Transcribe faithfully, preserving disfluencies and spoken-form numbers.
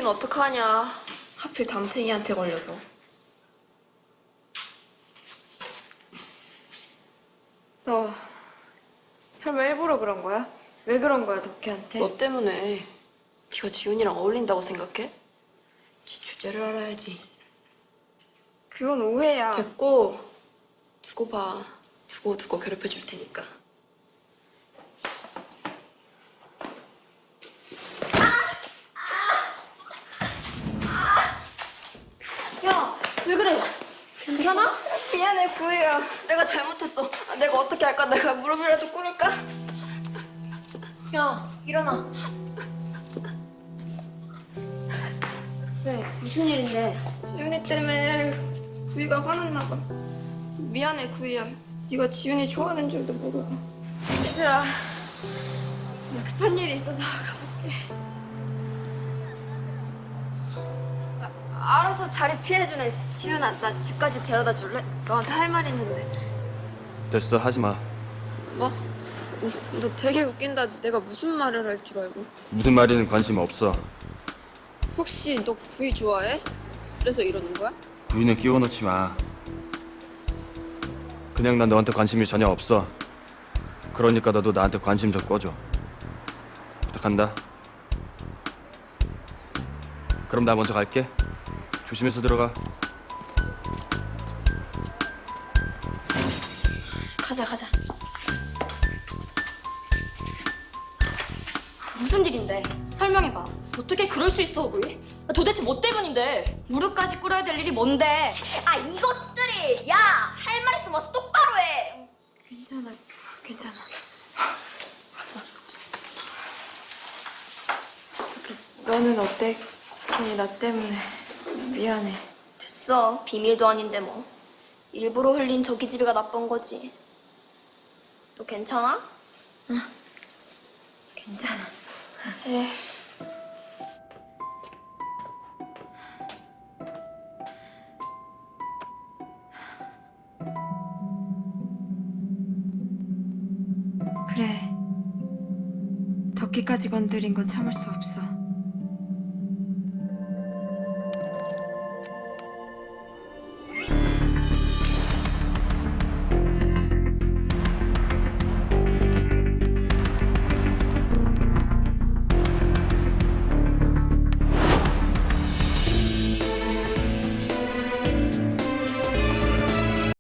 어떡하냐. 하필 담탱이한테 걸려서. 너 설마 일부러 그런 거야? 왜 그런 거야, 덕혜한테? 너 때문에. 네가 지훈이랑 어울린다고 생각해? 지 주제를 알아야지. 그건 오해야. 됐고, 두고 봐. 두고 두고 괴롭혀 줄 테니까. 야, 왜 그래? 괜찮아? 미안해, 구이야. 내가 잘못했어. 아, 내가 어떻게 할까? 내가 무릎이라도 꿇을까? 야, 일어나. 왜? 무슨 일인데? 지훈이 때문에 구이가 화났나 봐. 미안해, 구이야. 네가 지훈이 좋아하는 줄도 모르고. 얘들아, 나 급한 일이 있어서 가볼게. 아, 알아서 자리 피해주네. 지훈아, 나 집까지 데려다 줄래? 너한테 할 말 있는데. 됐어, 하지 마. 뭐? 너 되게 웃긴다. 내가 무슨 말을 할 줄 알고. 무슨 말이든 관심 없어. 혹시 너 구이 좋아해? 그래서 이러는 거야? 구이는 끼워 넣지 마. 그냥 난 너한테 관심이 전혀 없어. 그러니까 너도 나한테 관심 좀 꺼줘. 부탁한다. 그럼 나 먼저 갈게. 조심해서 들어가. 가자, 가자. 무슨 일인데? 설명해봐. 어떻게 그럴 수 있어, 우리? 도대체 뭐 때문인데? 무릎까지 꿇어야 될 일이 뭔데? 아 이것들이! 야! 할 말 있으면 와서 똑바로 해! 괜찮아, 괜찮아. 너는 어때? 괜히 나 때문에 미안해. 됐어. 비밀도 아닌데 뭐. 일부러 흘린 저 기집애가 나쁜 거지. 너 괜찮아? 괜찮아. 에이. 그래. 덕기까지 건드린 건 참을 수 없어.